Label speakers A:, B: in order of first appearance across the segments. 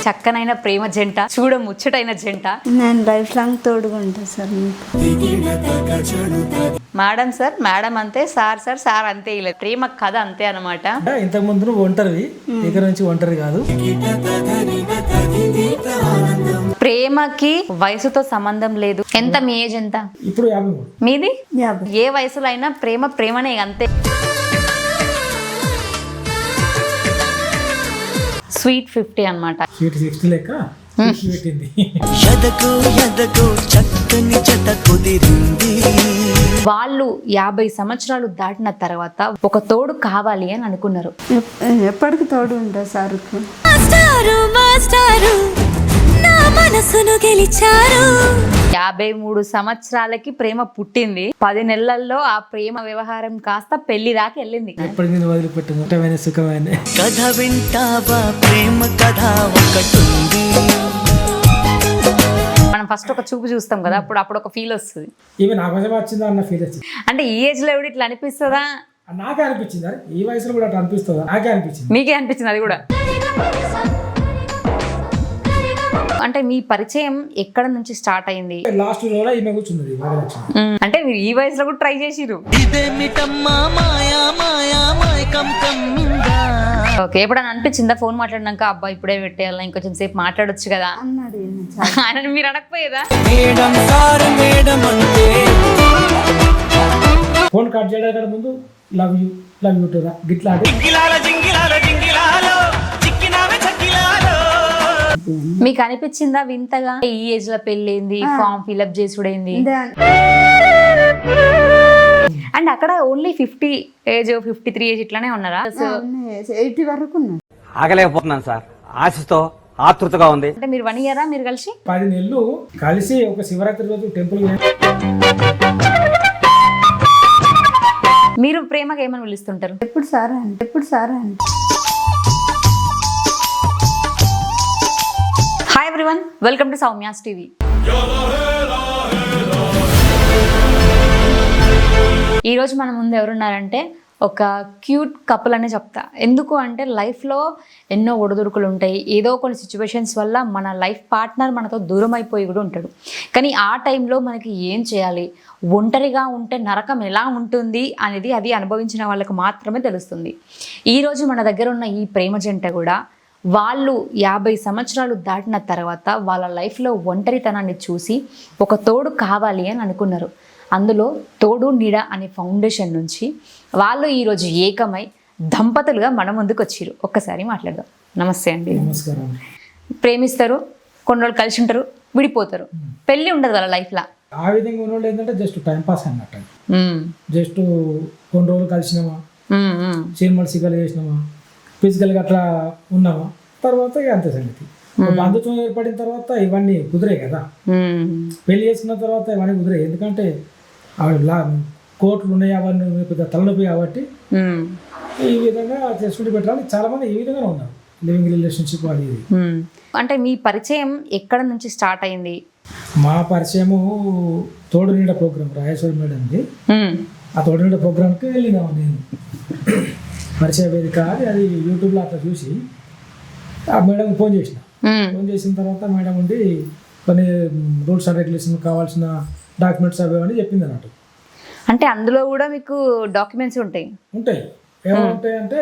A: చక్కనైన ప్రేమ జంట, చూడ ముచ్చటైన జంట.
B: నేను లైఫ్ లాంగ్ తోడుగా ఉంటాను సార్ మీకు.
A: మేడం సార్, మేడం అంతే, సార్ సార్, సార్ అంతే. ఇలా ప్రేమ కథ అంతే అనమాట.
C: ఇంతకు ముందు నువ్వు ఒంటరివి, దగ్గర నుంచి ఒంటరి కాదు.
A: ప్రేమకి వయసుతో సంబంధం లేదు. ఎంత మీ ఏజ్ ఎంత?
C: ఇప్పుడు 53.
A: మీది
B: 50.
A: ఏ వయసులో అయినా ప్రేమ ప్రేమనే అంతే. స్వీట్ 50 అనమాట.
C: స్వీట్ 60 లెక్క పెట్టింది.
A: వాళ్ళు 50 సంవత్సరాలు దాటిన తర్వాత ఒక తోడు కావాలి అని అనుకున్నారు.
B: ఎప్పటికి తోడు ఉంటా సార్.
A: 53 సంవత్సరాలకి ప్రేమ పుట్టింది. 10 నెలల్లో ఆ ప్రేమ వ్యవహారం కాస్త పెళ్లి దాకా వెళ్ళింది.
C: ఎప్పటికీ నేను వదిలిపెట్టను సుఖమైన
D: కథ వింటావా, ప్రేమ కథ ఒకటుంది.
A: మనం ఫస్ట్ ఒక చూపు చూస్తాం కదా, అప్పుడు ఒక ఫీల్ వస్తుంది.
C: ఇవి నా కోసం వచ్చిందా అన్న ఫీల్ వచ్చింది.
A: అంటే ఈ ఏజ్ లో ఎవడు ఇట్లా అనిపిస్తుందా?
C: నాకే అనిపించింది. ఈ వయసులో కూడా అట్లా అనిపిస్తుందా? నాకే అనిపించింది.
A: మీకే అనిపించింది అది కూడా? అంటే మీ పరిచయం ఎక్కడ నుంచి స్టార్ట్ అయింది?
C: లాస్ట్ రోజు ఈమె కూర్చున్నది.
A: అంటే మీరు ఈ వయసులో కూడా ట్రై చేసిరు. ఓకే, ఎప్పుడైనా అనిపించిందా ఫోన్ మాట్లాడినాక అబ్బా ఇప్పుడే పెట్టేయాలా, ఇంకొంచెం సేపు మాట్లాడొచ్చు కదా
B: అన్నాడు.
A: ఆయన మీరు అడగపోయేదా?
C: ఫోన్ కట్ చేయడానికి ముందు లవ్ యూ టురా గిట్లా
A: మీకు అనిపించిందా వింతగా ఈ ఏజ్ లో పెళ్ళింది, ఫామ్ ఫిల్అప్ చేసుడైంది? అండ్ అక్కడ ఓన్లీ 50 ఏజ్ 53 ఏజ్ ఇట్లానే ఉన్నారా?
B: 80 వరకు ఉన్నాడు.
E: ఆగలేకపోతున్నాను సార్, ఆశతో ఆతృతగా ఉంది.
A: అంటే మీరు 1 ఇయరా మీరు కలిసి?
C: 10 నెలలు కలిసి ఒక శివరాత్రి రోజు టెంపుల్.
A: మీరు ప్రేమగా ఏమని పిలుస్తుంటారు?
B: ఎప్పుడు సారా అంటే
A: hi everyone, welcome to Soumya's TV. ఈరోజు మన ముందు ఎవరున్నారంటే ఒక క్యూట్ కపుల్ అనే చెప్తా. ఎందుకు అంటే లైఫ్లో ఎన్నో ఒడిదుడుకులు ఉంటాయి. ఏదో కొన్ని సిచ్యువేషన్స్ వల్ల మన లైఫ్ పార్ట్నర్ మనతో దూరం అయిపోయి కూడా ఉంటాడు. కానీ ఆ టైంలో మనకి ఏం చేయాలి, ఒంటరిగా ఉంటే నరకం ఎలా ఉంటుంది అనేది అది అనుభవించిన వాళ్ళకు మాత్రమే తెలుస్తుంది. ఈరోజు మన దగ్గర ఉన్న ఈ ప్రేమ జంట కూడా వాళ్ళు 50 సంవత్సరాలు దాటిన తర్వాత వాళ్ళ లైఫ్లో ఒంటరితనాన్ని చూసి ఒక తోడు కావాలి అని అనుకున్నారు. అందులో తోడు నీడ అనే ఫౌండేషన్ నుంచి వాళ్ళు ఈరోజు ఏకమై దంపతులుగా మన ముందుకు వచ్చారు. ఒక్కసారి మాట్లాడదాం. నమస్తే అండి.
C: నమస్కారం.
A: ప్రేమిస్తారు, కొన్ని రోజులు కలిసి ఉంటారు, విడిపోతారు, పెళ్ళి ఉండదు వాళ్ళ లైఫ్లో.
C: ఆ విధంగా ఉన్నోళ్ళు ఏంటంటే జస్ట్ టైం పాస్ అన్నట్టు. జస్ట్ కొన్ని రోజులు కలిసినామా, సినిమాలు సిగ్గాలు చేసినామా, ఫిజికల్గా అట్లా ఉన్నామా, తర్వాత ఇక అంతే సంగతి. బంధుత్వం ఏర్పడిన తర్వాత ఇవన్నీ కుదిరే కదా. పెళ్లి చేసుకున్న తర్వాత ఇవన్నీ కుదిరే. ఎందుకంటే కోట్లు ఉన్నాయి, అవన్నీ పెద్ద తలనొప్పి కాబట్టి ఈ విధంగా చేసుకుంటూ పెట్టాలి. చాలా మంది ఈ విధంగా ఉన్నారు, లివింగ్ రిలేషన్షిప్ అది ఇది.
A: అంటే మీ పరిచయం ఎక్కడ నుంచి స్టార్ట్ అయింది?
C: మా పరిచయము తోడు నీడ ప్రోగ్రామ్ రాజేశ్వరి మేడంది. ఆ తోడు నీడ ప్రోగ్రామ్కి వెళ్ళినాము. నేను పరిచయ వేదిక అది యూట్యూబ్లో అట్లా చూసి ఆ మేడం ఫోన్ చేసిన. ఫోన్ చేసిన తర్వాత మేడం ఉండి కొన్ని రూల్స్ అండ్ రెగ్యులేషన్ కావాల్సిన డాక్యుమెంట్స్ అవి అని చెప్పింది అన్నట్టు.
A: అంటే అందులో కూడా మీకు డాక్యుమెంట్స్ ఉంటాయి?
C: ఏముంటాయి అంటే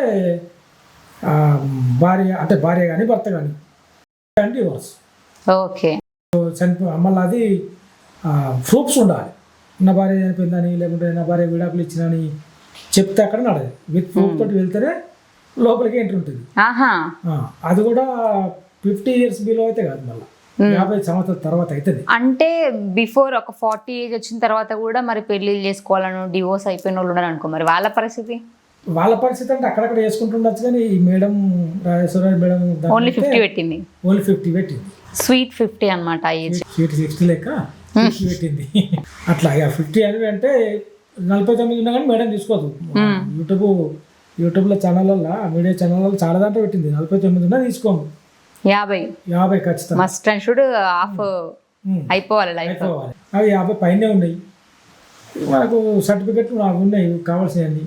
C: భార్య కానీ భర్త కానీ డివోర్స్.
A: ఓకే.
C: మళ్ళీ అది ప్రూఫ్స్ ఉండాలి. నా భార్య చనిపోయిందని, లేకుంటే నా భార్య విడాకులు ఇచ్చినని చెప్తే అక్కడ నడదు. విత్ ప్రూఫ్ తోటి వెళ్తేనే లోపలికి ఎంట్రీ ఉంటుంది. అది కూడా 50 years బిలో అయితే కాదు, మళ్ళీ 50 సంవత్సరాల తర్వాత అవుతుంది.
A: అంటే బిఫోర్ ఒక 40 ఏజ్ వచ్చిన తర్వాత కూడా మరి పెళ్లి చేసుకోవాలను, డివోర్స్ అయిపోయిన వాళ్ళు ఉన్నారు అనుకో, మరి వాళ్ళ పరిస్థితి
C: అంటే అక్కడక్కడ చేసుకుంటుండొచ్చు. కానీ ఈ మేడం రాజేశ్వర మేడం
A: ఓన్లీ 50 పెట్టింది.
C: ఓన్లీ 50 పెట్టింది.
A: స్వీట్ 50 అనమాట.
C: స్వీట్ 60 లెక్క పెట్టింది. అట్లా ఇక 50 అని అంటే 49 ఉన్నా కానీ మేడం తీసుకోదు. యూట్యూబ్లో ఛానళ్ళల్లో, మీడియా ఛానళ్ళలో చాలా దాంట్లో పెట్టింది. 49 ఉన్నా తీసుకోము. 50 ఖచ్చితంగా
A: మస్ట్ అండ్ షుడ్ ఆఫ్ అయిపోవాలి లైఫ్.
C: అవి 50 పైనే ఉన్నాయి. మనకు సర్టిఫికెట్లు నాకు ఉన్నాయి కావాల్సినవి.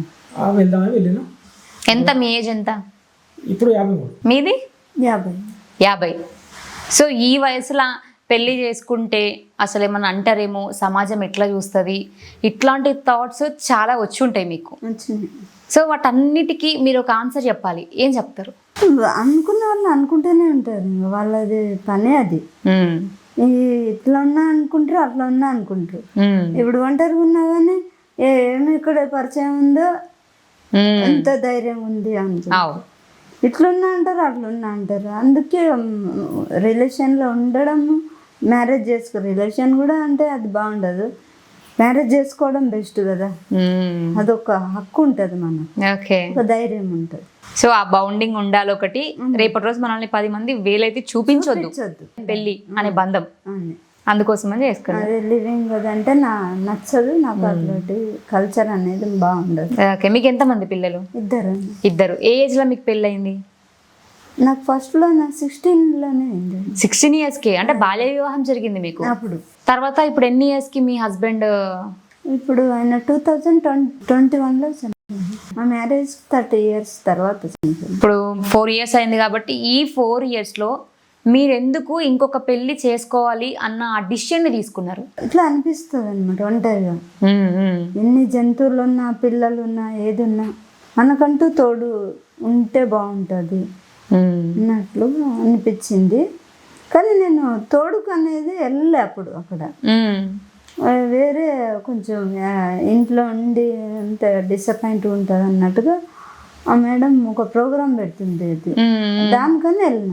C: వెళ్దామని వెళ్ళినా.
A: ఎంత మీ ఏజ్ ఎంత?
C: ఇప్పుడు 53.
A: మీది
B: 50.
A: 50. సో ఈ వయసులో పెళ్లి చేసుకుంటే అసలు ఏమన్నా అంటారేమో, సమాజం ఎట్లా చూస్తుంది, ఇట్లాంటి థాట్స్ చాలా వచ్చి ఉంటాయి మీకు.
B: వచ్చింది.
A: సో వాటన్నిటికీ మీరు ఒక ఆన్సర్ చెప్పాలి, ఏం చెప్తారు?
B: అనుకున్న వాళ్ళు అనుకుంటూనే ఉంటారు, ఇంకా వాళ్ళది పనే అది. ఇట్లా ఉన్నా అనుకుంటారు, అట్లా ఉన్నా అనుకుంటారు. ఇప్పుడు ఒంటరిగా ఉన్నా కానీ ఏమి ఇక్కడ పరిచయం ఉందో, ఎంత ధైర్యం ఉంది అనుకుంటారు. ఇట్లున్నా అంటారు, అట్లున్నా అంటారు. అందుకే రిలేషన్లో ఉండడం, మ్యారేజ్ రిలేషన్ కూడా అంటే అది బాగుండదు. మ్యారేజ్ చేసుకోవడం బెస్ట్ కదా, అదొక హక్కు ఉంటుంది మనకు, ఒక ధైర్యం ఉంటుంది.
A: సో ఆ బౌండింగ్ ఉండాలి ఒకటి. రేపటి రోజు మనల్ని 10 మంది వేలైతే చూపించొద్దు పెళ్లి అనే బంధం, అందుకోసమని చేసుకున్నాను.
B: అదే లివింగ్ అంటే నచ్చదు నాకు, అట్లాంటి కల్చర్ అనేది బాగుండదు.
A: ఓకే, మీకు ఎంతమంది పిల్లలు? ఇద్దరు. ఏ ఏజ్ లో మీకు పెళ్ళి అయింది?
B: నాకు ఫస్ట్లో 16లోనే అయింది.
A: 16 years కి, అంటే బాల్య వివాహం జరిగింది మీకు
B: అప్పుడు.
A: తర్వాత ఇప్పుడు ఎన్ని ఇయర్స్ కి మీ హస్బెండ్?
B: ఇప్పుడు ఆయన 2021లో మా మ్యారేజ్ 30 years తర్వాత.
A: ఇప్పుడు 4 years అయింది కాబట్టి ఈ 4 years లో మీరెందుకు ఇంకొక పెళ్లి చేసుకోవాలి అన్న ఆ డిసిషన్ ని తీసుకున్నారు?
B: ఇట్లా అనిపిస్తుంది అనమాట, ఒంటరిగా ఎన్ని జంతువులు ఉన్నా, పిల్లలు ఉన్నా, ఏది ఉన్నా మనకంటూ తోడు ఉంటే బాగుంటుంది అన్నట్లు అనిపించింది. కానీ నేను తోడుకు అనేది వెళ్ళలే అప్పుడు. అక్కడ వేరే కొంచెం ఇంట్లో ఉండి అంత డిసప్పాయింట్ ఉంటుంది అన్నట్టుగా ఆ మేడం ఒక ప్రోగ్రాం పెడుతుంది, దానికని వెళ్ళిన.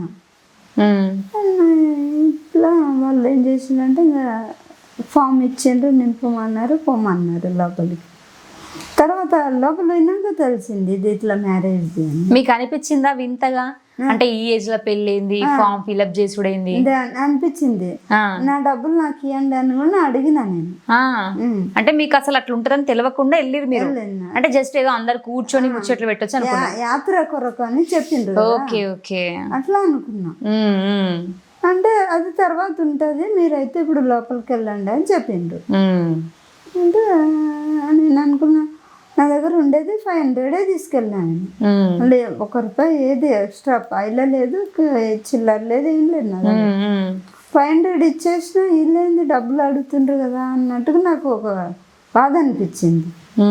B: ఇట్లా వాళ్ళు ఏం చేసిందంటే ఇంకా ఫామ్ ఇచ్చిండ్రు, నింపమన్నారు, పోమన్నారు లోపలికి. తర్వాత లోపల పోయినాక తెలిసింది ఇది ఇట్లా మ్యారేజ్ అని.
A: మీకు అనిపించిందా వింతగా? అంటే ఈ ఏజ్ లో పెళ్ళింది, ఫామ్ ఫిల్అప్ చేసుడైంది
B: అనిపించింది. నా డబ్బులు నాకు ఇవ్వండి అని కూడా అడిగినా నేను.
A: అంటే మీకు అసలు అట్లా ఉంటుందని తెలియకుండా వెళ్ళిరు మీరు? అంటే జస్ట్ ఏదో అందరు కూర్చొని ముచ్చట్లు పెట్టొచ్చు అనుకున్నా,
B: యాత్ర కొరకు అని చెప్పిండ్రు.
A: ఓకే ఓకే, అట్లా
B: అనుకున్నా. అంటే అది తర్వాత ఉంటది, మీరైతే ఇప్పుడు లోపలికి వెళ్ళండి అని చెప్పిండ్రు. అంటే నేను అనుకున్నా, నా దగ్గర ఉండేది 500 తీసుకెళ్ళాను. మళ్ళీ ₹1 ఏది ఎక్స్ట్రా పైల లేదు, చిల్లర లేదు, ఏం లేదు. నా 500 ఇచ్చేసిన, వీళ్ళేంది డబ్బులు అడుగుతుండ్రు కదా అన్నట్టుగా నాకు ఒక బాధ అనిపించింది.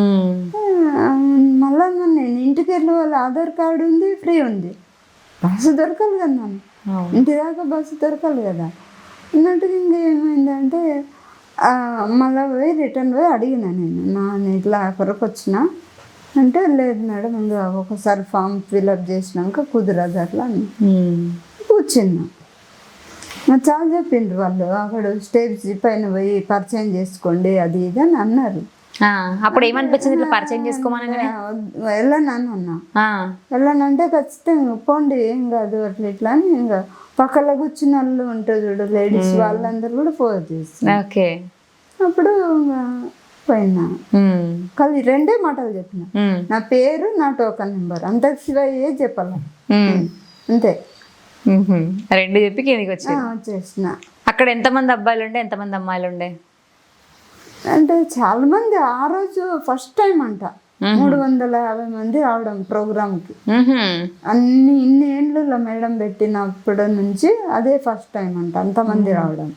B: మళ్ళా నేను ఇంటికి వెళ్ళి వాళ్ళ ఆధార్ కార్డు ఉంది, ఫ్రీ ఉంది, బస్సు దొరకాలి కదా, నన్ను ఇంటి దాకా బస్సు దొరకాలి కదా అన్నట్టుగా. ఇంకా ఏమైందంటే మళ్ళీ పోయి రిటర్న్ పోయి అడిగినా నేను ఇట్లా కొరకు వచ్చిన అంటే, లేదు మేడం ఇంకా ఒకసారి ఫామ్ ఫిల్అప్ చేసినాక కుదరదు అట్లా అని కూర్చున్నా. చాలా చెప్పిండ్రు వాళ్ళు, అక్కడ స్టేజ్ పైన పోయి పరిచయం చేసుకోండి అది ఇది అని అన్నారు.
A: అప్పుడు ఏమనిపించింది ఇట్లా పరిచయం చేసుకోమని?
B: వెళ్ళాను అన్నా, వెళ్ళానంటే ఖచ్చితంగా పోండి ఏం కాదు అట్లా ఇట్లా అని. ఇంకా పక్కన కూర్చున్న వాళ్ళు ఉంటారు చూడు లేడీస్, వాళ్ళందరూ కూడా ఫోన్ చేస్తారు. అప్పుడు పోయినా, కానీ 2 మాటలు చెప్పిన, నా పేరు, నా టోకన్ నెంబర్, అంత శివయ్యే చెప్పాల అంతే.
A: 2 చెప్పి కిందికి
B: వచ్చేసిన.
A: అక్కడ ఎంతమంది అబ్బాయిలు ఉండే, ఎంతమంది అమ్మాయిలు ఉండే?
B: అంటే చాలా మంది. ఆ రోజు ఫస్ట్ టైం అంట 350 మంది రావడం ప్రోగ్రామ్కి. ఇన్ని ఏండ్లలో మేడం పెట్టినప్పటి నుంచి అదే ఫస్ట్ టైం అంట అంతమంది రావడం.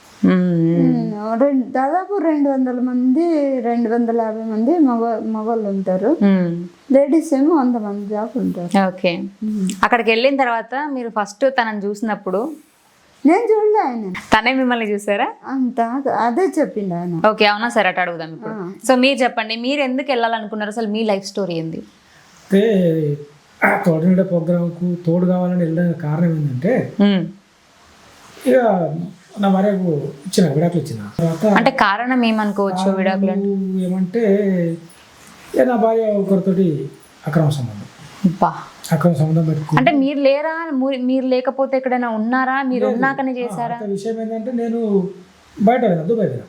B: దాదాపు 200 మంది, 250 మంది మగవాళ్ళు ఉంటారు, లేడీస్ ఏమో 100 మంది దాకా ఉంటారు.
A: ఓకే, అక్కడికి వెళ్ళిన తర్వాత మీరు ఫస్ట్ తనని చూసినప్పుడు?
B: నేను చూడలే, ఆయన
A: తనే మిమ్మల్ని చూసారా?
B: అంత అదే చెప్పిండు ఆయన.
A: ఓకే, అవునా సరే, అటు అడుగుదాం ఇప్పుడు. సో మీరు చెప్పండి, మీరు ఎందుకు వెళ్ళాలనుకున్నారు, అసలు మీ లైఫ్ స్టోరీ ఏంది?
C: అయితే తోడు ప్రోగ్రాంకు తోడు కావాలని వెళ్ళడానికి కారణం ఏంటంటే, ఇక నా భార్యకు ఇచ్చిన విడాకులు ఇచ్చిన తర్వాత,
A: అంటే కారణం ఏమనుకోవచ్చు విడాకులు
C: ఏమంటే, నా భార్య ఒకరితోటి అక్రమ సంబంధం పెట్టుకుని.
A: అంటే మీరు లేరా, మీరు లేకపోతే ఎక్కడైనా ఉన్నారా, మీరు ఉన్నాకనే చేశారా?
C: విషయం ఏంటంటే, నేను బయట పోయినా,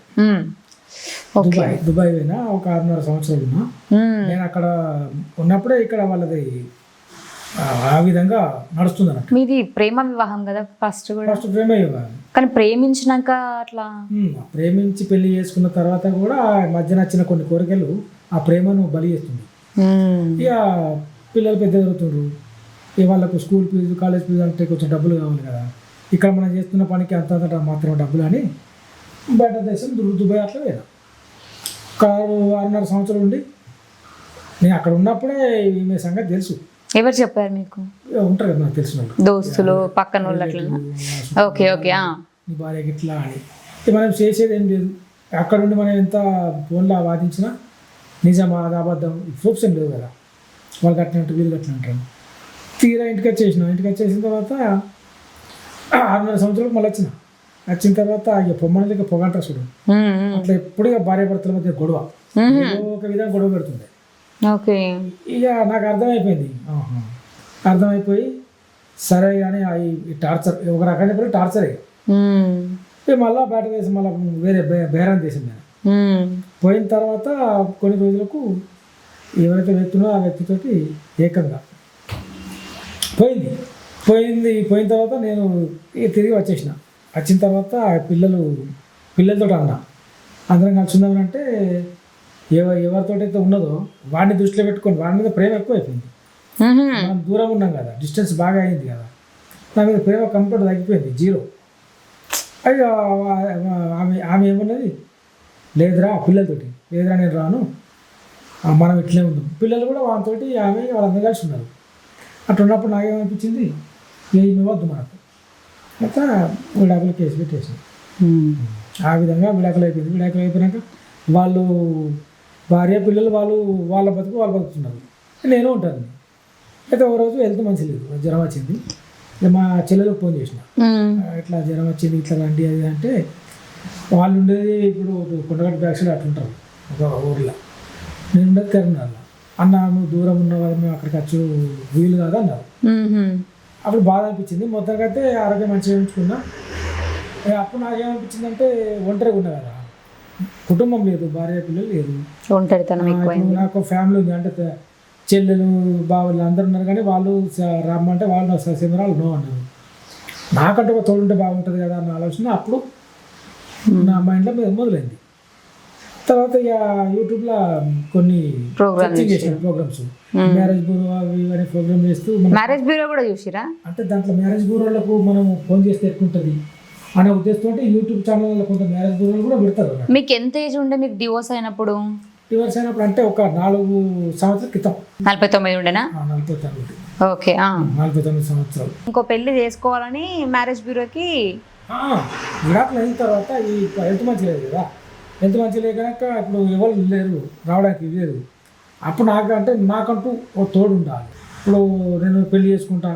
C: దుబాయ్ పోయినా, ఒక 6.5 సంవత్సరాలు ఉన్నా. నేను అక్కడ ఉన్నప్పుడే ఇక్కడ వాళ్ళది ఆ విధంగా నడుస్తుంది అన్నట్టు.
A: మీది ప్రేమ వివాహం కదా ఫస్ట్
C: ప్రేమ వివాహం.
A: కానీ ప్రేమించినాక అట్లా
C: ప్రేమించి పెళ్లి చేసుకున్న తర్వాత కూడా మధ్య నచ్చిన కొన్ని కోరికలు ఆ ప్రేమను బలి చేస్తుంది. ఇక పిల్లలు పెద్ద ఎదుగుతుండ్రు, వాళ్ళకు స్కూల్ ఫీజు కాలేజ్ ఫీజు అంటే కొంచెం డబ్బులు కావాలి కదా, ఇక్కడ మనం చేస్తున్న పనికి అంత మాత్రం డబ్బులు అని బయట దేశం దుబాయ్ అట్లా పోయినా. 6.5 సంవత్సరాలు ఉండి నేను అక్కడ ఉన్నప్పుడే ఈమె సంగతి తెలుసు.
A: ఎవరు చెప్పారు మీకు?
C: ఉంటారు కదా నాకు తెలిసిన వాళ్ళు,
A: దోస్తులు పక్కన వాళ్ళు అట్లా? Okay okay.
C: నీ భార్యకి ఇట్లా అని మనం చేసేది ఏం లేదు. అక్కడ ఉండి మనం ఎంత ఫోన్లో వాదించినా నిజమా అది అబద్ధం ప్రూఫ్స్ ఏం లేవు కదా, వాళ్ళు కట్టినట్టు వీళ్ళు కట్టినట్టు. తీరా ఇంటికి వచ్చేసిన తర్వాత 6.5 సంవత్సరాలకు మళ్ళీ వచ్చిన తర్వాత ఇక పొమ్మని దగ్గర పొగంట చూడు, అట్లా ఎప్పుడు ఇక భార్య భర్తల మధ్య గొడవ, ఏదో ఒక విధంగా గొడవ పెడుతుంది.
A: ఓకే.
C: ఇక నాకు అర్థమైపోయి సరే కానీ ఈ టార్చర్ ఒక రకంగా చెప్పి టార్చరే. మళ్ళీ బయట దేశం మళ్ళీ వేరే బేరాన్ దేశం మీద పోయిన తర్వాత కొన్ని రోజులకు ఎవరైతే వ్యక్తునో ఆ వ్యక్తితోటి ఏకంగా పోయిన తర్వాత నేను తిరిగి వచ్చిన తర్వాత పిల్లలతో అందరం కలిసి ఉందామంటే ఎవరితోటైతే ఉన్నదో వాడిని దృష్టిలో పెట్టుకొని వాడి మీద ప్రేమ ఎక్కువ అయిపోయింది. మనం దూరం ఉన్నాం కదా, డిస్టెన్స్ బాగా అయింది కదా, నా మీద ప్రేమ కంప్లీట్ తగ్గిపోయింది, 0. అది ఆమె ఏమన్నది, లేదురా పిల్లలతోటి, లేదురా నేను రాను, మనం ఇట్లే ఉన్నాం. పిల్లలు కూడా వాళ్ళతోటి వాళ్ళందరూ కలిసి ఉన్నారు. అట్లా ఉన్నప్పుడు నాకేమనిపించింది, ఏమి వద్దు మనకు, అయితే విడాకులు కేసు పెట్టేసింది. ఆ విధంగా విడాకులు అయిపోయినాక వాళ్ళు భార్య పిల్లలు వాళ్ళ బతుకుతున్నారు, నేను ఉంటాను. అయితే ఒక రోజు హెల్త్ మంచి లేదు, జ్వరం వచ్చింది. మా చెల్లెలకు ఫోన్ చేసిన, ఇట్లా జ్వరం వచ్చింది ఇట్లా రండి అది అంటే, వాళ్ళు ఉండేది ఇప్పుడు కొండగట్టు బ్యాక్ సైడ్ అట్లుంటారు ఒక ఊర్లో, నేను ఉండేది కరీంనగర్లో. అన్న నువ్వు దూరం ఉన్నావు కదా, మేము అక్కడికి వచ్చి వీలు కాదు అన్నారు. అప్పుడు బాధ అనిపించింది. మొత్తానికైతే ఆరోగ్యం మంచిగా ఉంచుకున్నా. అప్పుడు నాకేమనిపించింది అంటే ఒంటరిగా ఉన్నా కదా, కుటుంబం లేదు, భార్య పిల్లలు లేదు, నాకు ఫ్యామిలీ ఉంది. అంటే చెల్లెలు బావులు అందరు ఉన్నారు, కానీ వాళ్ళు రమ్మంటే వాళ్ళు సిమరాలు నో అన్నారు. నాకంటే ఒక తోడుంటే బాగుంటుంది కదా అన్న ఆలోచన అప్పుడు నా మైండ్లో మొదలైంది. తర్వాత ఇక యూట్యూబ్లో కొన్ని ప్రోగ్రామ్స్ మ్యారేజ్ బ్యూరో అవి ఇవన్నీ ప్రోగ్రామ్ చేస్తూ,
A: మ్యారేజ్ బ్యూరో కూడా చూసిరా
C: అంటే దాంట్లో మ్యారేజ్ బ్యూరోలకు మనం ఫోన్ చేస్తే ఎక్కుంటుంది అనే ఉద్దేశంతో యూట్యూబ్ ఛానల్లో కొంత మ్యారేజ్ బ్యూరోలు కూడా పెడతారు.
A: మీకు ఎంత ఏజ్ ఉండే మీకు డివోర్స్ అయినప్పుడు?
C: అంటే ఒక 4 సంవత్సరాల క్రితం.
A: 49 ఉండేనా?
C: 49.
A: ఓకే.
C: 49 సంవత్సరాలు.
A: ఇంకో పెళ్లి చేసుకోవాలని మ్యారేజ్ బ్యూరోకి
C: విడాకులు అయిన తర్వాత ఈ హెల్త్ మంచి లేదు కదా, హెల్త్ మంచి లేక ఇప్పుడు ఎవరు లేరు రావడానికి లేదు. అప్పుడు నాకంటూ ఒక తోడు ఉండాలి. ఇప్పుడు నేను పెళ్లి చేసుకుంటా,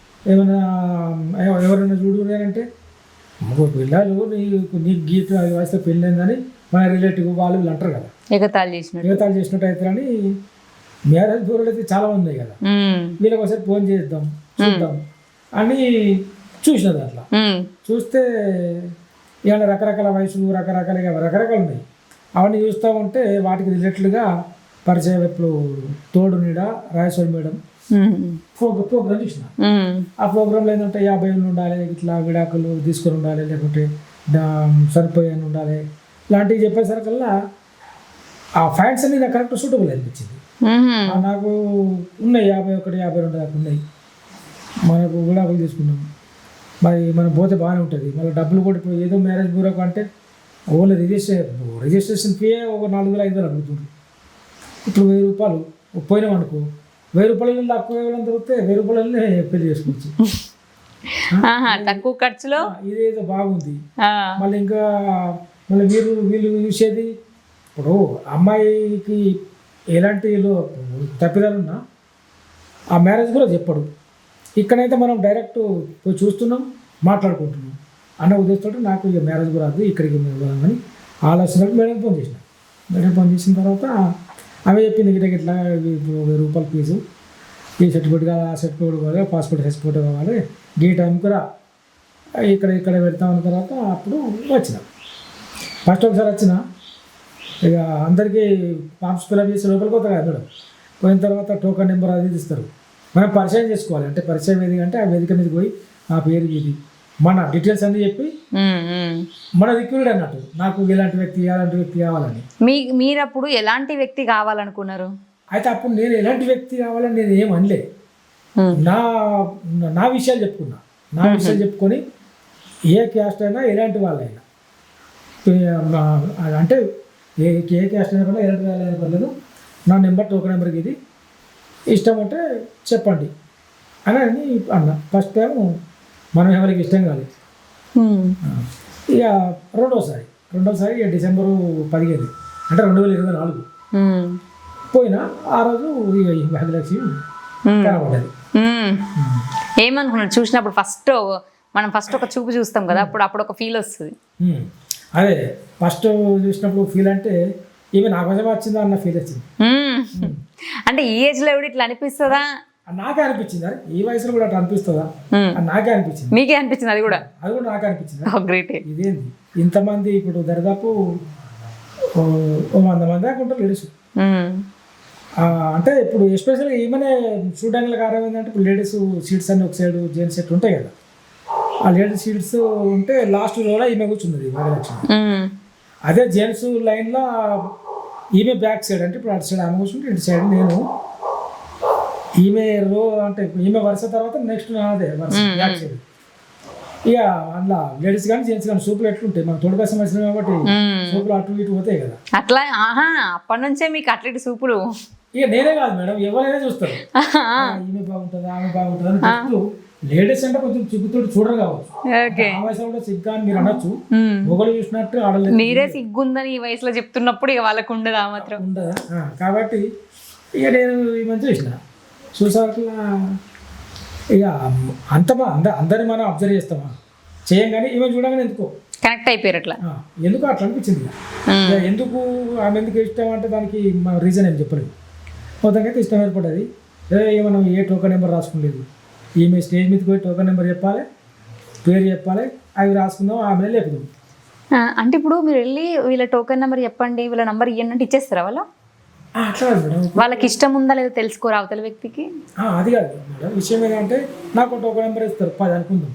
C: ఎవరైనా చూడు అంటే పిల్లలు నీకు గీత వస్తే పెళ్ళి అయిందని మన రిలేటివ్ వాళ్ళు వీళ్ళు అంటారు కదా, ఎగతాళి చేసినట్టు అయితే. అని మ్యారేజ్ బ్యూరోలు అయితే చాలా ఉన్నాయి కదా, వీళ్ళకి ఒకసారి ఫోన్ చూద్దాం అని చూసినది. అట్లా చూస్తే ఇవాళ రకరకాల వయసులు రకరకాలు ఉన్నాయి. అవన్నీ చూస్తూ ఉంటే వాటికి రిలేటెడ్గా పరిచయం ఇప్పుడు తోడు నీడ రాజేశ్వరి మేడం ప్రోగ్రామ్ చూసిన. ఆ ప్రోగ్రాంలో ఏంటంటే 50 ఏళ్ళు ఉండాలి, ఇట్లా విడాకులు తీసుకొని ఉండాలి, లేకుంటే సరిపోయాను ఉండాలి, ఇలాంటివి చెప్పేసరికల్లా ఆ ఫ్యాన్స్ అన్ని నాకు కరెక్ట్ సూటబుల్ అనిపించింది. నాకు ఉన్నాయి 51, 52 దాకా ఉన్నాయి. మనకు విడాకులు తీసుకున్నాం, మరి మనం పోతే బాగానే ఉంటుంది. మళ్ళీ డబ్బులు కూడా ఇప్పుడు ఏదో మ్యారేజ్ బ్యూరోకి అంటే ఓన్లీ రిజిస్ట్రేషన్ ఫీ ఒక 4,000-5,000 అడుగుతుంది. ఇప్పుడు 1000 రూపాయలు పోయినాం అనుకో, 1000 రూపాయలు తక్కువ ఇవ్వడం దొరికితే 1000 రూపాయలనే పెళ్లి చేసుకోవచ్చు,
A: తక్కువ ఖర్చులో.
C: ఇదేదో బాగుంది. మళ్ళీ వీళ్ళు చూసేది ఇప్పుడు అమ్మాయికి ఎలాంటి తప్పిదాలున్నా ఆ మ్యారేజ్ కూడా చెప్పడు. ఇక్కడైతే మనం డైరెక్ట్ పోయి చూస్తున్నాం, మాట్లాడుకుంటున్నాం అన్న ఉద్దేశంతో నాకు ఇక మ్యారేజ్ కూడా రాదు, ఇక్కడికి అని ఆలోచనకు మేడం ఫోన్ చేసిన తర్వాత అవి చెప్పింది ఇట్లా ఇప్పుడు 1000 రూపాయల ఫీజు, ఈ సర్టిఫికేట్ కావాలి, ఆ సర్టిఫికేట్ కావాలి, పాస్పోర్ట్ సర్టిఫికేట్ కావాలి, ఈ టైంకి రా, ఇక్కడ పెడతామన్న తర్వాత అప్పుడు వచ్చిన. ఫస్ట్ ఒకసారి వచ్చిన, ఇక అందరికీ ఫామ్స్ ఫిల్అప్ చేసి లోపలికి పోతారు కదా మేడం. పోయిన తర్వాత టోకన్ నెంబర్ అది ఇస్తారు, మనం పరిచయం చేసుకోవాలి. అంటే పరిచయం ఏది అంటే ఆ వేదిక మీద పోయి నా పేరు ఇది మన డీటెయిల్స్ అన్నీ చెప్పి మన రిక్రూట్ అన్నట్టు నాకు ఎలాంటి వ్యక్తి కావాలని.
A: మీరు అప్పుడు ఎలాంటి వ్యక్తి కావాలనుకున్నారు?
C: అయితే అప్పుడు నేను ఎలాంటి వ్యక్తి కావాలని నేను ఏం అనలే. నా నా విషయాలు చెప్పుకున్నా. నా విషయాలు చెప్పుకొని ఏ క్యాస్ట్ అయినా ఎలాంటి వాళ్ళైనా అంటే ఏ క్యాస్ట్ అయినా కూడా ఎలాంటి వాళ్ళైనా పర్లేదు, నా నెంబర్ టోకెన్ నెంబర్కి ఇది ఇష్టం అంటే చెప్పండి అని అన్న. ఫస్ట్ టైం మనం ఎవరికి ఇష్టం కాలేదు. ఇక రెండోసారి ఇక డిసెంబరు 15 అంటే 2024 పోయినా. ఆ రోజు ఇక ఈ భాగ్యలక్ష్మి కనబడ్డది.
A: ఏమనుకున్నాడు చూసినప్పుడు? మనం ఫస్ట్ ఒక చూపు చూస్తాం కదా, అప్పుడు ఒక ఫీల్ వస్తుంది.
C: అదే ఫస్ట్ చూసినప్పుడు ఫీల్ అంటే ఈమె నా కోసం వచ్చిందా అన్న ఫీల్ వచ్చింది.
A: అంటే ఈ ఏజ్ లో ఎవడు ఇట్లా అనిపిస్తుందా?
C: నాకే అనిపించింది. అరే ఈ వయసులో కూడా అట్లా అనిపిస్తుందా? నాకే అనిపించింది.
A: మీకే అనిపించింది? అది కూడా
C: నాకే అనిపించింది.
A: గ్రేట్.
C: ఇదేంది ఇంతమంది ఇప్పుడు దరిదాపు 100 మంది దాకా ఉంటారు లేడీస్. అంటే ఇప్పుడు ఎస్పెషల్గా ఈమెనే చూడడానికి కారణం ఏంటంటే ఇప్పుడు లేడీస్ సీట్స్ అన్ని ఒక సైడ్ జెంట్స్ సెట్ ఉంటాయి కదా. ఆ లేడీస్ సీట్స్ ఉంటే లాస్ట్ రోలో ఈమె కూర్చున్నది భాగ్యలక్ష్మి. అదే జెంట్స్ లైన్లో ఈమె బ్యాక్ సైడ్, అంటే ఇప్పుడు అటు సైడ్ ఆమె కూర్చుంటే ఇటు సైడ్ నేను. ఈమె అంటే ఈమె వరుస తర్వాత నెక్స్ట్ నాదే వరుస బ్యాక్ సైడ్. ఇక అందులో లేడీస్ కానీ జెంట్స్ కానీ సూపులు ఎట్లుంటాయి, మనం తోడు కోసం వచ్చినాం కాబట్టి సూపులు అటు ఇటు పోతాయి కదా.
A: అట్లా అప్పటి నుంచే మీకు అట్లటి సూపులు.
C: ఇక నేనే కాదు మేడం, ఎవరైనా చూస్తారు ఈమె బాగుంటుందా ఆమె బాగుంటుందా అని చెప్తూ. లేడీస్ అంటే కొంచెం సిగ్గుతోటి చూడరు కావచ్చు, ఆ వయసులో కూడా సిగ్గా అని మీరు అనొచ్చు. మొగలు చూసినట్టు ఆడలేదు.
A: మీరే సిగ్గుందని ఈ వయసులో చెప్తున్నప్పుడు ఇక వాళ్ళకు ఉండదు, ఆ మాత్రం
C: ఉండదా. కాబట్టి ఇక నేను ఈ మంచి చూసాక ఇక అందరిని మనం అబ్జర్వ్ చేస్తామా చేయంగానే ఈమె చూడగానే ఎందుకో
A: కనెక్ట్ అయిపోయారు. అట్లా
C: ఎందుకు అట్లా అనిపించింది. ఎందుకు ఆమె ఎందుకు ఇష్టం అంటే దానికి మన రీజన్ ఏం చెప్పలేదు. మొత్తంకైతే ఇష్టం ఏర్పడ్డది. మనం ఏ టోకెన్ నెంబర్ రాసుకోలేదు. ఈమె స్టేజ్ మీదకి పోయి టోకెన్ నెంబర్ చెప్పాలి, పేరు చెప్పాలి, అవి రాసుకుందాం, ఆమె లేపుదాం.
A: అంటే ఇప్పుడు మీరు వెళ్ళి వీళ్ళ టోకెన్ నెంబర్ చెప్పండి, వీళ్ళ నెంబర్ ఇవ్వండి అంటే ఇచ్చేస్తారా వాళ్ళు?
C: అట్లా మేడం,
A: వాళ్ళకి ఇష్టం ఉందా లేదా తెలుసుకోరా అవతల వ్యక్తికి?
C: అది కాదు మేడం, విషయం ఏంటంటే నాకు టోకెన్ నెంబర్ ఇస్తారు 10 అనుకుందాం.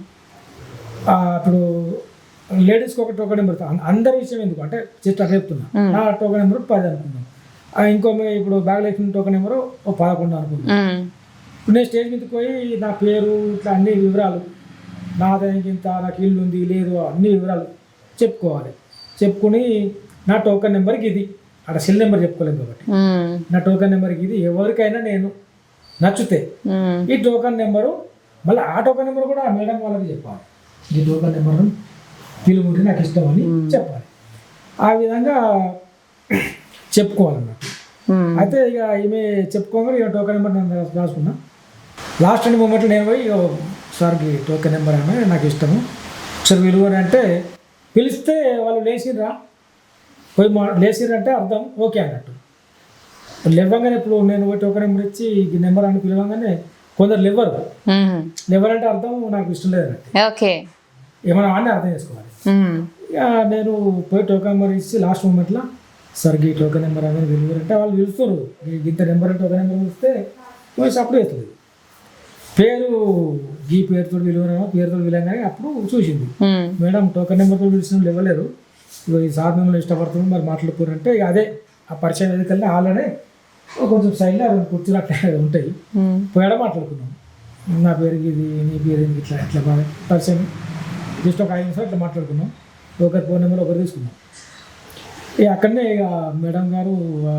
C: ఇప్పుడు లేడీస్కి ఒక టోకెన్ నెంబర్ అందరి విషయం ఎందుకు అంటే జస్ట్ అట్లా చెప్తున్నా. నా టోకెన్ నెంబర్ 10 అనుకుందాం. ఇంకో ఇప్పుడు భాగ్యలక్ష్మి టోకెన్ నెంబర్ 11 అనుకుందాం. ఇప్పుడు నేను స్టేజ్ మీదకి పోయి నా పేరు ఇట్లా అన్ని వివరాలు, నాదానికి ఇంత, నాకు ఇల్లు ఉంది లేదు, అన్ని వివరాలు చెప్పుకోవాలి. చెప్పుకుని నా టోకెన్ నెంబర్కి ఇది, అక్కడ సెల్ నెంబర్ చెప్పుకోలేము కాబట్టి నా టోకెన్ నెంబర్కి ఇది, ఎవరికైనా నేను నచ్చితే ఈ టోకెన్ నెంబరు, మళ్ళీ ఆ టోకెన్ నెంబర్ కూడా ఆ మేడం వాళ్ళకి చెప్పాలి. ఈ టోకెన్ నెంబర్ పిలుగుంటే నాకు ఇష్టం అని చెప్పాలి. ఆ విధంగా చెప్పుకోవాలన్నమాట. అయితే ఇక ఈమె చెప్పుకోగా ఇక టోకెన్ నెంబర్ నేను రాసుకున్నా. లాస్ట్ అండ్ మూమెంట్లో నేను పోయి సార్కి టోకెన్ నెంబర్ ఆమె నాకు ఇష్టము ఒకసారి విలువని అంటే పిలిస్తే వాళ్ళు లేచిర్రా పోయి లేచిర్రంటే అర్థం ఓకే అన్నట్టు. లేవగానే ఇప్పుడు నేను పోయి టోకెన్ నెంబర్ ఇచ్చి ఈ నెంబర్ అని పిలవగానే కొందరు లెవర్ అంటే అర్థం నాకు ఇష్టం లేదన్నట్టు.
A: ఓకే,
C: ఏమైనా అని అర్థం చేసుకోవాలి. ఇక నేను పోయి టోకెన్ నెంబర్ ఇచ్చి లాస్ట్ మూమెంట్లో సార్ ఈ టోకెన్ నెంబర్ అనేది విలువరంటే వాళ్ళు పిలుస్తారు. ఇంత నెంబర్ టోకెన్ నెంబర్ పిలిస్తే పోయి సపోర్ట్ చేస్తుంది. పేరు ఈ పేరుతో విలువరేమో పేరుతో విలువగానే అప్పుడు చూసింది మేడం టోకెన్ నెంబర్తో పిలిచిన ఇవ్వలేరు, ఈ సార్ మిమ్మల్ని ఇష్టపడుతుంది మరి మాట్లాడుకోరంటే ఇక అదే ఆ పరిచయం ఎదుకెళ్ళి వాళ్ళనే కొంచెం సైడ్లో కుర్చీలు అట్లా ఉంటాయి పోయాడ మాట్లాడుకున్నాం. నా పేరుకి ఇది, నీ పేరు ఇట్లా ఇట్లా బాగా పరిచయం జస్ట్ ఒక 5 నిమిషాలు ఇట్లా మాట్లాడుకున్నాం. ఒకరి ఫోన్ నెంబర్ ఒకరు తీసుకున్నాం. ఇక అక్కడనే ఇక మేడం గారు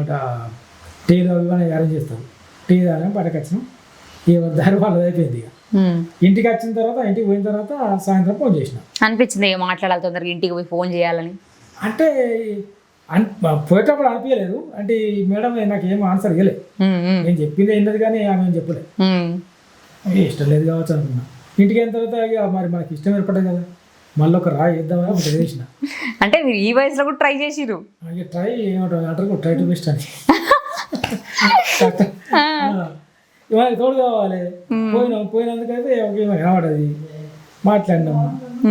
C: టీ అవి అరేంజ్ చేస్తారు. టీ తాగానే బయటకు వచ్చినాం. ఎవరి దారి వాళ్ళది అయిపోయింది. ఇక ఇంటికి వచ్చిన తర్వాత, ఇంటికి పోయిన తర్వాత సాయంత్రం ఫోన్ చేసిన
A: అనిపించింది మాట్లాడాలి తొందరగా ఇంటికి పోయి ఫోన్ చేయాలని.
C: అంటే పోయేటప్పుడు అనిపించలేదు. అంటే ఈ మేడం నాకు ఏం ఆన్సర్ ఇవ్వలేదు. నేను చెప్పింది ఏంటది కానీ ఆమె ఏం చెప్పలేదు. ఇష్టం లేదు కావచ్చు అనుకున్నా. ఇంటికి అయిన తర్వాత ఇక మరి మనకి ఇష్టం ఏర్పడ్డది కదా, మళ్ళీ ఒక రాయి వేద్దామని ఒకటి వేసిన.
A: అంటే మీరు ఈ వయసులో కూడా ట్రై చేసిరు?
C: ఇక ట్రై ఏమంటారు, ట్రై టు బెస్ట్ అని ఇవాళ తోడు కావాలి. పోయినందుకైతే కనబడది మాట్లాడినాము.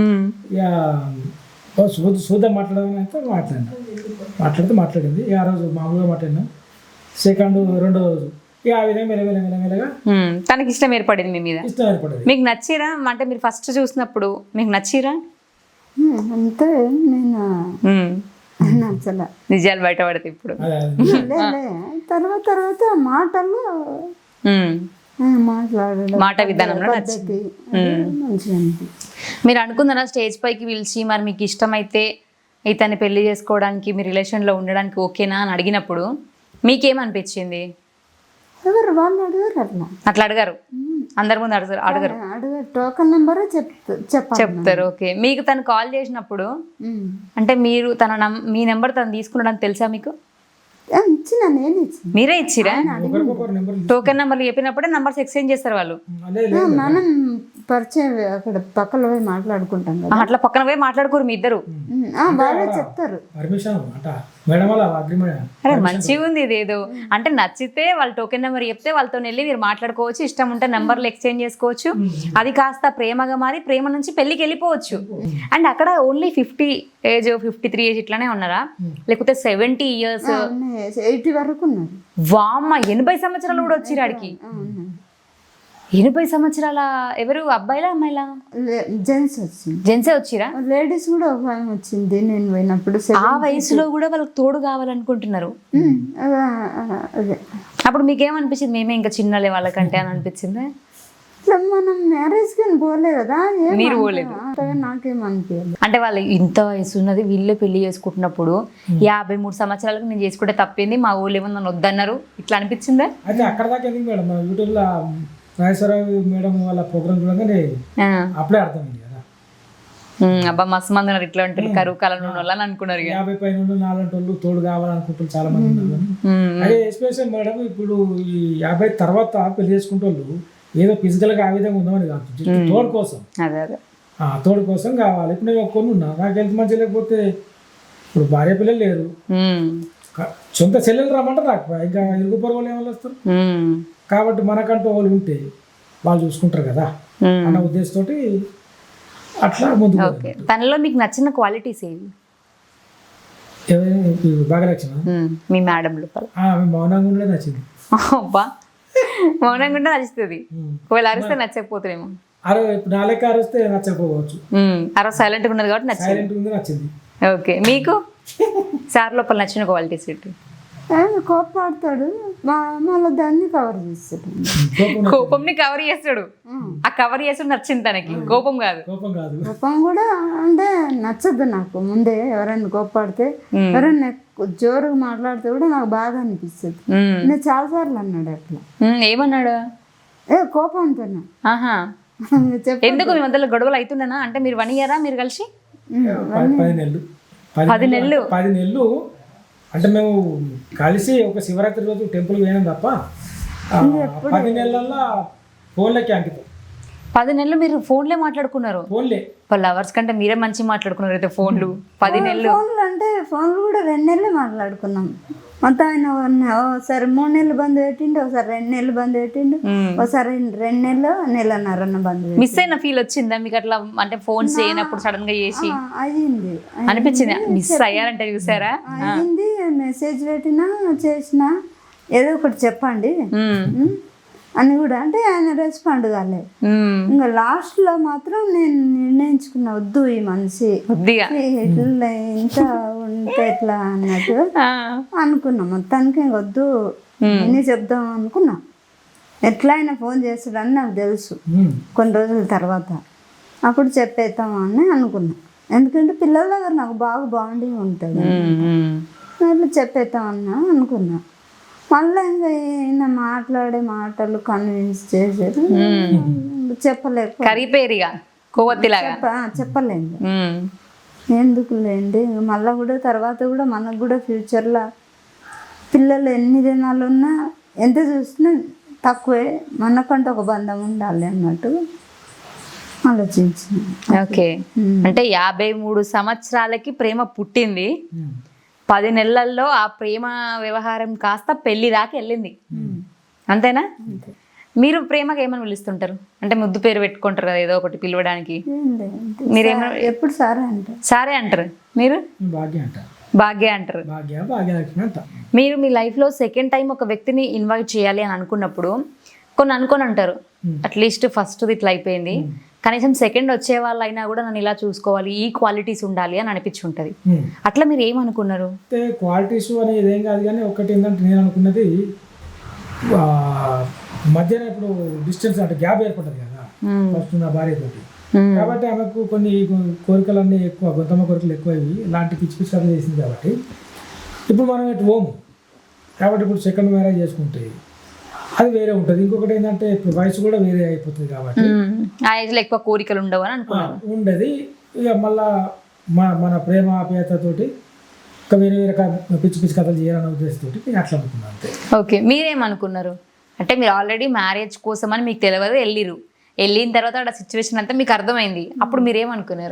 C: ఇక చూద్దాం మాట్లాడదామని అయితే మాట్లాడింది. ఆ రోజు మామూలుగా మాట్లాడినాం. రెండో రోజు ఇక ఆ విధంగా మెల్లగా
A: తనకి ఇష్టం ఏర్పడింది మీ మీద.
C: ఇష్టం ఏర్పడింది.
A: మీకు నచ్చిరా? అంటే మీరు ఫస్ట్ చూసినప్పుడు మీకు నచ్చిరా?
B: అంతే, నేను నచ్చలే.
A: నిజాలు బయట పడతాయి ఇప్పుడు.
B: తర్వాత మాటల్లో మాట్లాడడం
A: మాట విధానంలో
B: పద్ధతి అది మంచిగా అనిపించింది.
A: మీరు అనుకున్నారా స్టేజ్ పైకి పిలిచి మరి మీకు ఇష్టమైతే ఇతన్ని పెళ్లి చేసుకోవడానికి మీ రిలేషన్లో ఉండడానికి ఓకేనా అని అడిగినప్పుడు మీకేమనిపించింది?
B: ఎవరు వాళ్ళు అడిగారు అట్లా
A: అట్లా అడగారు, అందరి ముందు అడగారు
B: అడిగారు టోకన్ నెంబర్ చెప్పాలి.
A: చెప్తారు. ఓకే, మీకు తను కాల్ చేసినప్పుడు అంటే మీరు మీ నెంబర్ తను తీసుకున్నాడని తెలుసా మీకు?
B: ఇచ్చిన నేను ఇచ్చిన
A: మీరే ఇచ్చిరా?
C: ఒకరికొకరు నెంబర్
A: టోకెన్ నెంబర్లు చెప్పినప్పుడే నంబర్స్ ఎక్స్చేంజ్ చేస్తారు వాళ్ళు.
B: మనం పరిచయం అక్కడ పక్కన పోయి మాట్లాడుకుంటాం కదా,
A: అట్లా పక్కన పోయి మాట్లాడుకోరు మీ ఇద్దరు?
B: వాళ్ళే చెప్తారు
C: పర్మిషన్ అంట మేడం వాళ్ళ అగ్రిమెంట్.
A: అరే మంచిగా ఉంది ఇదేదో. అంటే నచ్చితే వాళ్ళు టోకెన్ నెంబర్ చెప్తే వాళ్ళతో వెళ్ళి మీరు మాట్లాడుకోవచ్చు, ఇష్టం ఉంటే నెంబర్లు ఎక్స్చేంజ్ చేసుకోవచ్చు. అది కాస్త ప్రేమగా మారి ప్రేమ నుంచి పెళ్లికి వెళ్ళిపోవచ్చు. అండ్ అక్కడ ఓన్లీ 50 ఏజ్ 53 ఏజ్ ఇట్లానే ఉన్నారా, లేకపోతే 70 ఇయర్స్
B: 80 వరకు ఉన్నారు?
A: వామ్మ 80 సంవత్సరాలు కూడా వచ్చిరు ఆడికి. 80 సంవత్సరాల ఎవరు, అబ్బాయిలా అమ్మాయిలా?
B: జెంట్స్ వచ్చింది.
A: జెంట్సే వచ్చిరా?
B: లేడీస్ కూడా ఒక ఆమె వచ్చింది నేను పోయినప్పుడు.
A: ఆ వయసులో కూడా వాళ్ళకి తోడు కావాలనుకుంటున్నారు.
B: అదే
A: అప్పుడు మీకేమనిపించింది? మేమే ఇంకా చిన్నలే వాళ్ళకంటే అని అనిపించింది?
B: ఇట్లా మనం మ్యారేజ్ కానీ పోలే కదా,
A: మీరు పోలేదు.
B: నాకేమనిపించలేదు.
A: అంటే వాళ్ళు ఇంత వయసు ఉన్నది వీళ్ళే పెళ్లి చేసుకుంటున్నప్పుడు 53 సంవత్సరాలకు నేను చేసుకుంటే తప్పింది, మా ఊళ్ళో ఏమో నన్ను వద్దన్నారు, ఇట్లా అనిపించిందా?
C: అయితే అక్కడ దాకా ఎందుకు మేడం, మా యూట్యూబ్లో నాగేశ్వరరావు మేడం వాళ్ళ ప్రోగ్రామ్ చూడగానే అప్పుడే అర్థమైంది కదా.
A: అబ్బా మస్తు మంది ఉన్నారు ఇట్లా ఉంటుంది కరువు కాలం వాళ్ళని అనుకున్నారు.
C: 50 పైన 4 వాళ్ళు తోడు కావాలనుకుంటారు చాలా మంది ఉన్నారు. అదే ఎస్పెషల్ మేడం ఇప్పుడు ఈ 50 తర్వాత పెళ్లి చేసుకుంటే వాళ్ళు ఏదో ఫిజికల్ గా ఆ విధంగా ఉందామని కాదు, తోడు కోసం.
A: అదే అదే
C: తోడు కోసం కావాలి. ఇప్పుడు నేను కొన్ని ఉన్నా, నాకు హెల్త్ మంచి లేకపోతే ఇప్పుడు భార్య పిల్లలు లేరు, సొంత చెల్లెలు రమ్మంటే రాకపోయా, ఇంకా ఇరుగు పొరుగు వాళ్ళు ఏమైనా వస్తారు. కాబట్టి మనకంటూ వాళ్ళు ఉంటే వాళ్ళు చూసుకుంటారు కదా అన్న ఉద్దేశంతో అట్లా ముందు.
A: తనలో మీకు నచ్చిన క్వాలిటీస్ ఏవి?
C: బాగా నచ్చిన
A: మీ మేడం లోపల
C: మౌనంగా ఉండేది నచ్చింది.
A: అబ్బా మౌనంగా ఉంటే నచ్చుతుంది, ఒకవేళ అరిస్తే నచ్చకపోతేమో.
C: ఇప్పుడు నా లెక్క అరిస్తే నచ్చకపోవచ్చు,
A: సైలెంట్ గా ఉన్నది కాబట్టి నచ్చింది.
C: సైలెంట్ ఉంది నచ్చింది.
A: ఓకే, మీకు సార్ లోపల నచ్చిన క్వాలిటీస్ ఏంటి?
B: కోపాడతాడు, మళ్ళీ దాన్ని కవర్ చేస్తాడు.
A: కోపంని కవర్ చేస్తాడు, ఆ కవర్ చేస్తాడు నచ్చింది తనకి, కోపం కాదు.
B: కోపం కూడా అంటే నచ్చదు నాకు. ముందే ఎవరైనా కోపాడితే ఎవరైనా జోరుగా మాట్లాడితే కూడా నాకు బాగా అనిపిస్తుంది. నేను చాలా సార్లు అన్నాడు అట్లా.
A: ఏమన్నాడు?
B: కోపంతో.
A: ఎందుకు మీ మధ్యలో గొడవలు అవుతున్నానా? అంటే మీరు 1 year మీరు కలిసి? 10 నెలలు.
C: 10 నెలలు అంటే మేము కలిసి ఒక శివరాత్రి రోజు టెంపుల్ పోయినాం తప్ప 10 నెలల్లో ఫోన్లకి అంకితం.
A: 10 నెలలు మీరు ఫోన్లే మాట్లాడుకున్నారు?
C: ఫోన్లే.
A: లవర్స్ కంటే మీరే మంచి మాట్లాడుకున్నారు అయితే ఫోన్లు. 10 నెలలు
B: ఫోన్లు అంటే ఫోన్లు కూడా 2 నెలలు మాట్లాడుకున్నాం. మొత్తం ఆయన ఒకసారి 3 నెలలు బంద్ పెట్టిండు, ఒకసారి 2 నెలలు బంద్ పెట్టిండు, ఒకసారి 2 నెలలు 1.5 బంద్.
A: మిస్ అయిన ఫీల్ వచ్చిందా మీకు అట్లా? అంటే ఫోన్స్ చేయనప్పుడు సడన్ గా చేసి
B: అయ్యింది
A: అనిపించింది, మిస్ అయ్యారంటే చూసారా?
B: అయ్యింది. మెసేజ్ పెట్టినా చేసినా ఏదో ఒకటి చెప్పండి అని కూడా అంటే ఆయన రెస్పాండ్ కాలేదు. ఇంకా లాస్ట్ లో మాత్రం నేను నిర్ణయించుకున్నా, వద్దు ఈ మనిషి ఇట్లా ఇంత ఉంటే ఎట్లా అన్నట్టు అనుకున్నా. మొత్తానికి వద్దు నేనే చెప్దాం అనుకున్నా. ఎట్లా అయినా ఫోన్ చేస్తాడని నాకు తెలుసు కొన్ని రోజుల తర్వాత. అప్పుడు చెప్పేద్దామని అనుకున్నా, ఎందుకంటే పిల్లల దగ్గర నాకు బాగా బాండింగ్ ఉంటుంది, అట్లా చెప్పేద్దామన్నా అనుకున్నా. మళ్ళీ ఇంకా ఈయన మాట్లాడే మాటలు కన్విన్స్ చేసేది చెప్పలేదు,
A: కరిపేరిగా కొవ్వొత్తిలాగా
B: చెప్పలేదు. ఎందుకు లేండి మళ్ళీ కూడా తర్వాత కూడా మనకు కూడా ఫ్యూచర్లో పిల్లలు ఎన్ని దినాలు ఉన్నా ఎంత చూసినా తక్కువే, మనకంటే ఒక బంధం ఉండాలి అన్నట్టు ఆలోచించింది.
A: ఓకే, అంటే 53 సంవత్సరాలకి ప్రేమ పుట్టింది, 10 నెలల్లో ఆ ప్రేమ వ్యవహారం కాస్త పెళ్లి దాకా వెళ్ళింది, అంతేనా? మీరు ప్రేమగా ఏమని పిలుస్తుంటారు? అంటే ముద్దు పేరు పెట్టుకుంటారు కదా ఏదో ఒకటి పిలవడానికి, మీరేమో
B: ఎప్పుడు సారే అంటారు?
A: సారే అంటారు. మీరు భాగ్య అంటారు. మీరు మీ లైఫ్లో సెకండ్ టైం ఒక వ్యక్తిని ఇన్వైట్ చేయాలి అని అనుకున్నప్పుడు కొన్ని అనుకొని అంటారు, అట్లీస్ట్ ఫస్ట్ ఇట్లా అయిపోయింది, కనీసం సెకండ్ వచ్చే వాళ్ళైనా కూడా నన్ను ఇలా చూసుకోవాలి, ఈ క్వాలిటీస్ ఉండాలి అని అనిపించుంటది. అట్లా మీరు ఏమనుకున్నారు?
C: క్వాలిటీస్ అనేది ఏం కాదు, కానీ ఒకటి ఏంటంటే నేను అనుకున్నది మధ్యాహ్నం ఇప్పుడు డిస్టెన్స్ అంటే గ్యాప్ ఏర్పడుతుంది కదా ఫస్ట్ నా భార్యతోటి. కాబట్టి ఆమెకు కొన్ని కోరికలన్నీ ఎక్కువ, గొంతమ్మ కోరికలు ఎక్కువ ఇవి ఇలాంటి పిచ్చి పిచ్చి కథలు చేసింది. కాబట్టి ఇప్పుడు మనం ఎటు పోము. కాబట్టి ఇప్పుడు సెకండ్ మ్యారేజ్ చేసుకుంటే అది వేరే ఉంటుంది. ఇంకొకటి ఏంటంటే ఇప్పుడు వయసు కూడా వేరే అయిపోతుంది. కాబట్టి
A: ఆ ఏజ్లో ఎక్కువ కోరికలు ఉండవు అని అనుకున్నాను.
C: ఉండదు. ఇక మళ్ళా మన ప్రేమ ఆప్యాయతతోటి ఇంకా వేరే వేరే పిచ్చి పిచ్చి కథలు చేయాలనే ఉద్దేశంతో అట్లా అనుకున్నాను అంతే.
A: ఓకే, మీరేమనుకున్నారు అంటే మీరు ఆల్రెడీ మ్యారేజ్ కోసం అని మీకు తెలియదు, వెళ్ళిన తర్వాత ఆ సిచ్యువేషన్ అంతా మీకు అర్థమైంది. అప్పుడు మీరేమనుకున్నారు?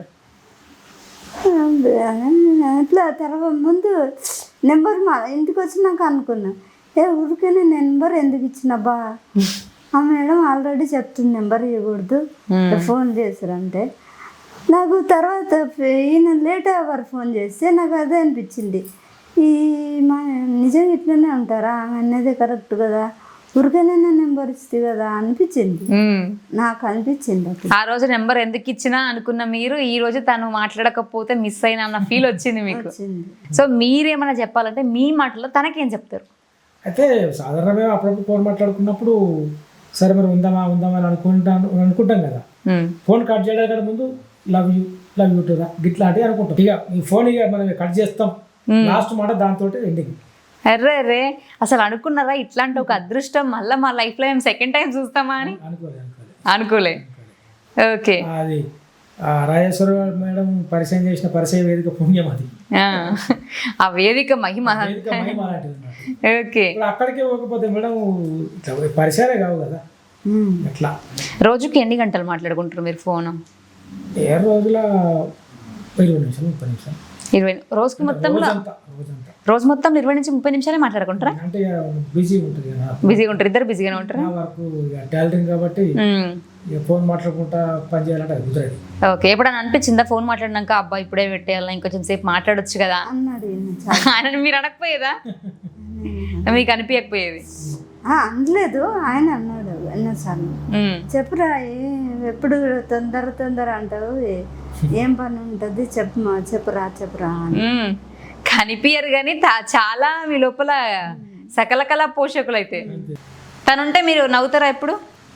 B: అట్లా తర్వాత ముందు నెంబర్ మా ఇంటికి వచ్చినాక అనుకున్నా, ఊరికే నెంబర్ ఎందుకు ఇచ్చినబ్బా, ఆ మేడం ఆల్రెడీ చెప్తుంది నెంబర్ ఇవ్వకూడదు, ఫోన్ చేశారంటే. నాకు తర్వాత ఈయన లేట్ అవర్ ఫోన్ చేస్తే నాకు అదే అనిపించింది, ఈ మా నిజంగా ఇట్లనే ఉంటారా, ఆమె అనేది కరెక్ట్ కదా, ఊరికైనా నెంబర్ ఇస్తే కదా అనిపించింది. నాకు అనిపించింది
A: ఆ రోజు నెంబర్ ఎందుకు ఇచ్చినా అనుకున్న మీరు, ఈ రోజు తను మాట్లాడకపోతే మిస్ అయినా అన్న ఫీల్ వచ్చింది మీకు. సో మీరేమన్నా చెప్పాలంటే మీ మాటలో తనకేం చెప్తారు?
C: అయితే సాధారణంగా అప్పుడప్పుడు ఫోన్ మాట్లాడుకున్నప్పుడు సరే మరి ఉందామా అని అనుకుంటాం కదా. ఫోన్ కట్ చేయడానికి ముందు లవ్ యూ టు రా గిట్లాంటివి అనుకుంటాం. ఇక ఈ ఫోన్ ఇక మనం కట్ చేస్తాం, లాస్ట్ మాట దాంతో ఎండింగ్.
A: అర్రే అసలు అనుకున్నారా ఇట్లాంటి ఒక అదృష్టం మళ్ళీ మా లైఫ్ లో మేము సెకండ్ టైం చూస్తామా అని? అనుకోలే. ఓకే,
C: అది రాజేశ్వర మేడం పరిచయం చేసిన పరిచయ వేదిక పుణ్యం అది.
A: ఆ వేదిక మహిమ. ఓకే,
C: అక్కడికే పోకపోతే మేడం పరిచయాలే కావు కదా. అట్లా
A: రోజుకి ఎన్ని గంటలు మాట్లాడుకుంటారు మీరు ఫోన్?
C: ఏ రోజుల 20 నిమిషాలు 30 నిమిషాలు.
A: 20 రోజుకి మొత్తంలో రోజు మొత్తం 20 నుంచి 30 నిమిషాలే మాట్లాడుకుంటారా?
C: అంటే బిజీ ఉంటుంది కదా.
A: బిజీగా ఉంటారు, ఇద్దరు బిజీగానే ఉంటారు.
C: వరకు టైలరింగ్ కాబట్టి ఫోన్ మాట్లాడుకుంటా పని చేయాలంటే అది కుదరదు.
A: ఓకే, ఎప్పుడైనా అనిపించిందా ఫోన్ మాట్లాడినాక అబ్బా ఇప్పుడే పెట్టేయాలా, ఇంకొంచెం సేపు మాట్లాడొచ్చు కదా
B: అన్నాడు.
A: ఆయన మీరు అనకపోయేదా? మీకు అనిపించకపోయేది?
B: అనలేదు, ఆయన అన్నాడు ఎన్నోసార్లు, చెప్పురా ఎప్పుడు తొందర అంటావు, ఏం పని ఉంటుంది చెప్పురా అని.
A: కనిపించరు కానీ చాలా మీ లోపల సకల కళా పోషకులు. అయితే తనుంటే మీరు నవ్వుతారా ఎప్పుడు?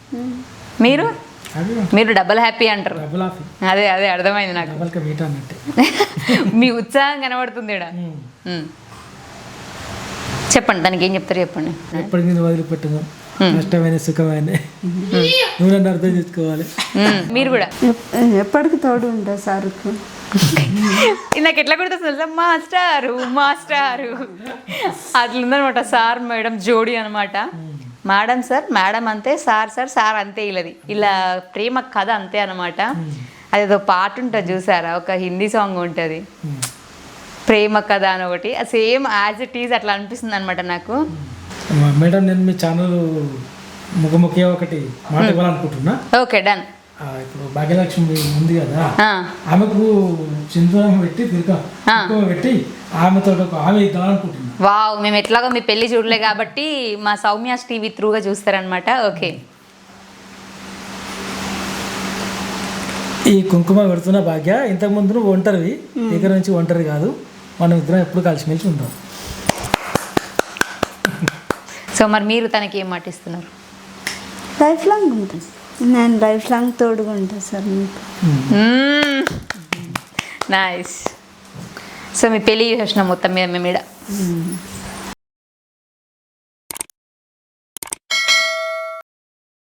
A: మీరు డబల్ హ్యాపీ అంటారు. అదే అర్థమైంది నాకు. మీ ఉత్సాహం కనబడుతుంది ఈడ. చెప్పండి, దానికి ఏం చెప్తారు చెప్పండి.
C: ఎప్పటికీ వదిలిపెట్టను, నష్టమైన సుఖమైన నువ్వు నన్ను అర్థం చేసుకోవాలి.
A: మీరు కూడా
B: ఎప్పటికి తోడు ఉంటా సార్కు.
A: నాకు ఎట్లా గుర్తొస్తుంది, మాస్టారు అట్లుందనమాట. సార్ మేడం జోడీ అనమాట. మేడం సార్, మేడం అంతే, సార్ అంతే. ఇలా ప్రేమ కథ అంతే అనమాట. అదేదో పాట ఉంటుంది చూసారా, ఒక హిందీ సాంగ్ ఉంటుంది ప్రేమ కథ అని ఒకటి, సేమ్ యాజ్ ఇట్ ఈజ్ అట్లా అనిపిస్తుంది అనమాట నాకు.
C: మేడం నేను మీ ఛానల్ ముఖముఖి ఒకటి మాట ఇవ్వాలనుకుంటున్నా.
A: Okay, done.
C: ఇప్పుడు భాగ్యలక్ష్మి ఉంది కదా, ఆమెకు సింధూరం పెట్టి పెట్టి ఆమెతో ఆమె ఇద్దామనుకుంటున్నా.
A: వావ్, మేము ఎట్లాగో మీ పెళ్లి చూడలే కాబట్టి మా సౌమ్యాస్ టీవీ త్రూగా చూస్తారనమాట. ఓకే,
C: ఈ కుంకుమ పెడుతున్న భాగ్య, ఇంతకుముందు నువ్వు ఒంటరివి, దగ్గర నుంచి ఒంటరి కాదు, మనం ఇద్దరం ఎప్పుడు కలిసిమెలిసి ఉంటాం.
A: సో మరి మీరు తనకి ఏం మాట ఇస్తున్నారు?
B: లైఫ్ లాంగ్ ఉంటుంది, నేను లైఫ్ లాంగ్ తోడుగా ఉంటాను సార్ మీకు.
A: నైస్. సో మీ పెళ్ళి చేసిన మొత్తం మీద మేము